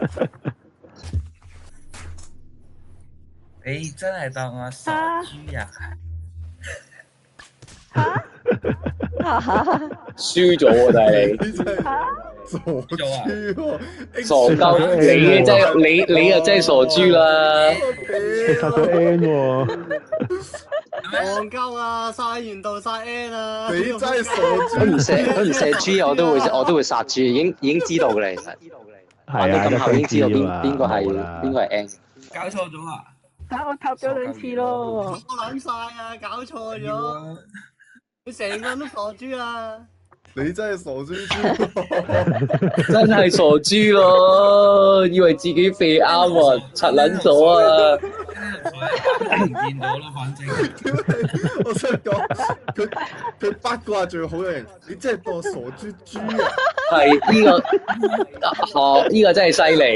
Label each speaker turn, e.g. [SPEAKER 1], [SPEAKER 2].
[SPEAKER 1] 你真係當我傻豬啊？
[SPEAKER 2] 輸咗喎，但係你
[SPEAKER 3] 傻豬喎，
[SPEAKER 2] 傻鳩，你真係你又真係傻豬啦！
[SPEAKER 4] 殺咗 N 喎，
[SPEAKER 5] 戇鳩啊！晒完度晒 N 啊！
[SPEAKER 3] 你真係傻
[SPEAKER 2] 佢唔射豬，我都會殺豬，已經知道嘅啦，其實玩到咁後已經知道邊個係 N。
[SPEAKER 1] 搞錯咗啊！
[SPEAKER 6] 我塔咗2次咯。
[SPEAKER 5] 我撚晒啊！搞錯咗，你成個人都傻豬啊！
[SPEAKER 3] 你真係傻豬豬，
[SPEAKER 2] 真係傻豬咯，以為自己肥啱啊，柒撚咗啊！
[SPEAKER 1] 見到咯，反正
[SPEAKER 3] 我想講佢八卦最好嘅人，你真係當傻豬豬啊！
[SPEAKER 2] 係呢個真係犀利。